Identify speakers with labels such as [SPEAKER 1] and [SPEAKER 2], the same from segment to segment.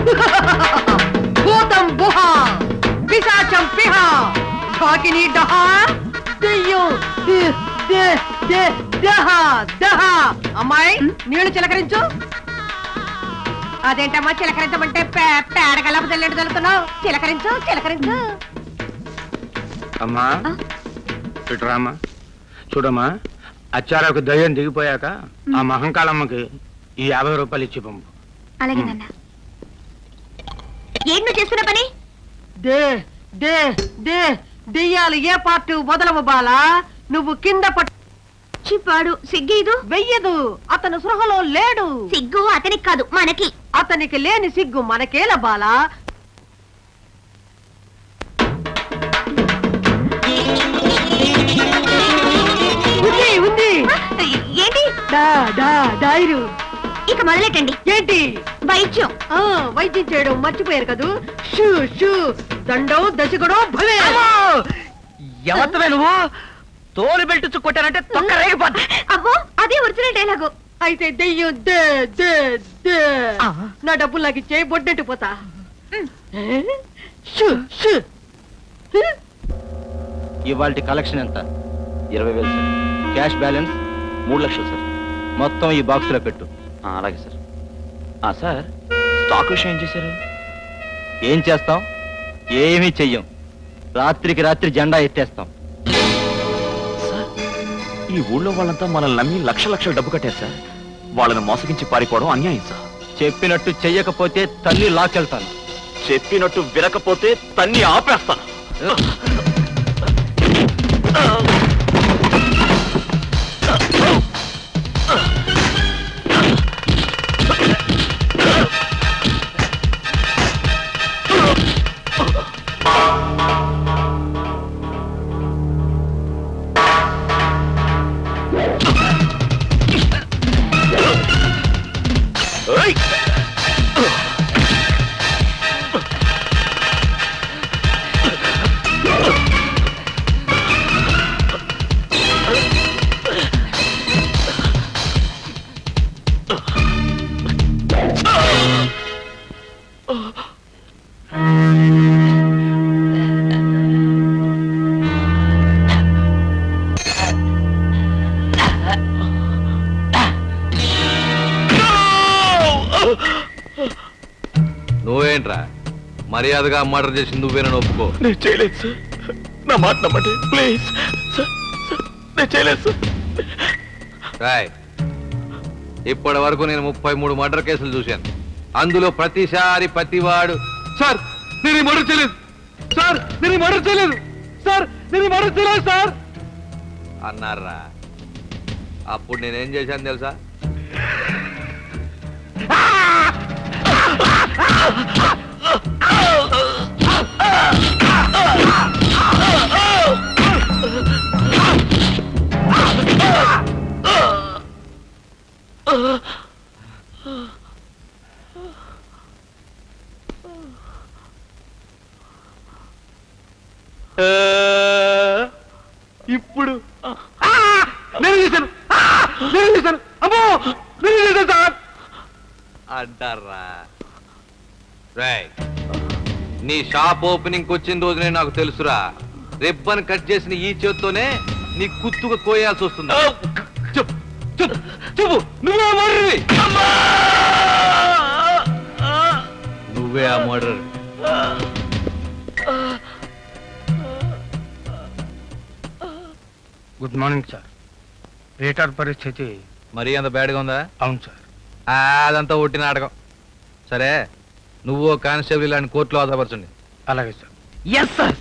[SPEAKER 1] భూతం బుహ పిశాచం పిహ ఢాకిని డహ దెయ్యం దహ దహ. అమ్మాయి నీళ్లు చిలకరించు. అదేంటమ్మా చిలకరించమంటే పేడగలపు తెల్లెడు తలుతున్నావు. చిలకరించు చిలకరించు.
[SPEAKER 2] అమ్మా ఇటురామ్మా. చూడమ్మా, అచ్చారకు దయ్యం దిగిపోయాక ఆ మహంకాళమ్మకి ఈ 50 రూపాయలు ఇచ్చి పంపు.
[SPEAKER 3] అలాగే నాన్న. ఏం నువ్వు చేస్తున్న పని?
[SPEAKER 1] దే దే దే దెయ్యాలు ఏ పార్టీ వదలవు బాలా. నువ్వు కింద
[SPEAKER 3] చిప్పాడు సిగ్గేదు
[SPEAKER 1] వెయ్యదు. అతను సృహలో లేడు.
[SPEAKER 3] సిగ్గు అతనికి కాదు మనకి.
[SPEAKER 1] అతనికి లేని సిగ్గు మనకేల బాలా. ఉంది ఉంది.
[SPEAKER 3] ఏంటి?
[SPEAKER 1] డైరు.
[SPEAKER 3] ఇక మొదలెట్టండి.
[SPEAKER 1] ఏంటి?
[SPEAKER 3] వైద్యం.
[SPEAKER 1] వైద్యం చేయడం మర్చిపోయారు కదూ. షూ షూ దండం దశకుడో భలే.
[SPEAKER 4] ఎవత్తవే నువ్వు? తోలు బెల్ట్ కొట్టారంటే తొక్క రేగిపోద్ది.
[SPEAKER 3] అబ్బో అదే ఒరిజినల్ డైలాగు.
[SPEAKER 1] అయితే దెయ్యం దే దే దే. నా డబ్బులు నాకు ఇచ్చే బొడ్డెట్టు పోతా. Shoe shoe.
[SPEAKER 5] ఇవాళ కలెక్షన్ ఎంత?
[SPEAKER 6] 20,000 సార్.
[SPEAKER 5] క్యాష్ బ్యాలెన్స్
[SPEAKER 6] 3 లక్షలు సార్.
[SPEAKER 5] మొత్తం ఈ బాక్స్ లో పెట్టు.
[SPEAKER 6] అలాగే సార్. సార్, స్టాక్ విషయం ఏం చేశారు?
[SPEAKER 5] ఏం చేస్తాం? ఏమీ చెయ్యం. రాత్రికి రాత్రి జెండా ఎత్తేస్తాం.
[SPEAKER 6] సార్, ఈ ఊళ్ళో వాళ్ళంతా మనల్ని నమ్మి లక్షల డబ్బు కట్టారు సార్. వాళ్ళని మోసగించి పారిపోవడం అన్యాయం సార్.
[SPEAKER 5] చెప్పినట్టు చెయ్యకపోతే తల్లి లాకెళ్తాను.
[SPEAKER 6] చెప్పినట్టు వినకపోతే తన్ని ఆపేస్తాను.
[SPEAKER 7] నువ్వేంట్రా మర్యాదగా మర్డర్ చేసి నువ్వేనని ఒప్పుకో.
[SPEAKER 6] నేను చేయలేదు సార్. నా మాట నమ్మండి ప్లీజ్ సార్. నేను చేయలేదు సార్.
[SPEAKER 7] రాయ్, ఇప్పటి వరకు నేను 33 మర్డర్ కేసులు చూశాను. అందులో ప్రతిసారి ప్రతివాడు సార్ నేను మర్డర్ చేయలేదు సార్, నేను మర్డర్ చేయలేదు సార్, నేను మర్డర్ చేయలేదు సార్ అన్నారా. అప్పుడు నేనేం చేశాను తెలుసా?
[SPEAKER 2] ఇప్పుడు నేను చేశాను, నేను చేశాను, అమ్మో నేను చేశాను సార్
[SPEAKER 7] అంటారా. రాయ్, నీ షాప్ ఓపెనింగ్ వచ్చిన రోజునే నాకు తెలుసురా. రిబ్బన్ కట్ చేసిన ఈ చేత్తోనే నీ కుత్తుగా కోయాల్సి వస్తుంది. చెప్పు చెప్పు చెప్పు, నువ్వే మర్డర్వి. నువ్వే ఆ మర్డర్.
[SPEAKER 2] Good morning sir. రేటర్ పరిస్థితి
[SPEAKER 7] మరీ అంత బ్యాడ్గా ఉందా?
[SPEAKER 2] అవును సార్.
[SPEAKER 7] అదంతా ఒట్టి నాటకం. సరే, నువ్వు కానిస్టేబుల్ ఇలాంటి కోర్టులో ఆధారపరచండి.
[SPEAKER 2] అలాగే సార్.
[SPEAKER 4] Yes sir.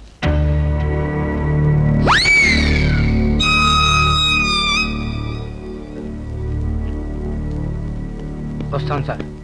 [SPEAKER 2] వస్తాను సార్.